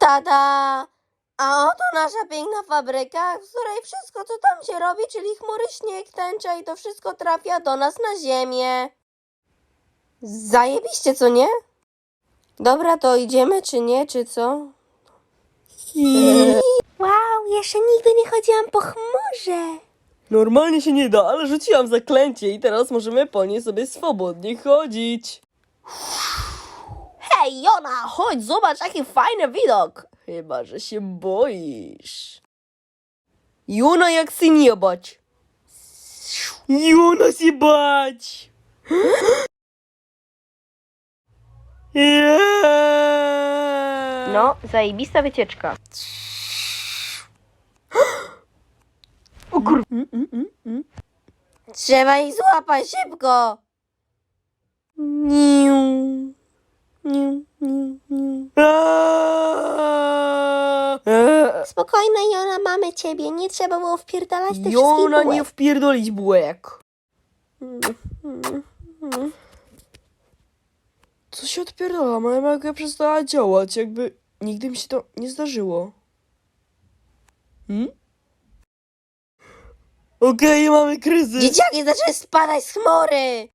Tada! A oto nasza piękna fabryka, w której wszystko, co tam się robi, czyli chmury, śnieg, tęcza i to wszystko trafia do nas na ziemię. Zajebiście, co nie? Dobra, to idziemy, czy nie, czy co? Wow, jeszcze nigdy nie chodziłam po chmurze. Normalnie się nie da, ale rzuciłam zaklęcie i teraz możemy po niej sobie swobodnie chodzić. Hej, Jona, chodź, zobacz, jaki fajny widok. Chyba, że się boisz. Juna, jak się nie bać. Juna się bać. No, zajebista wycieczka. O kur... Trzeba ich złapać szybko. Niu, niu, niu, niu. Spokojna, Jona, mamy ciebie. Nie trzeba było wpierdalać tych Jona, wszystkich nie bułek. wpierdolić bułek. Co się odpierdala? Moja magia przestała działać, jakby nigdy mi się to nie zdarzyło. Okej, mamy kryzys. Dzieciaki zaczęły spadać z chmury.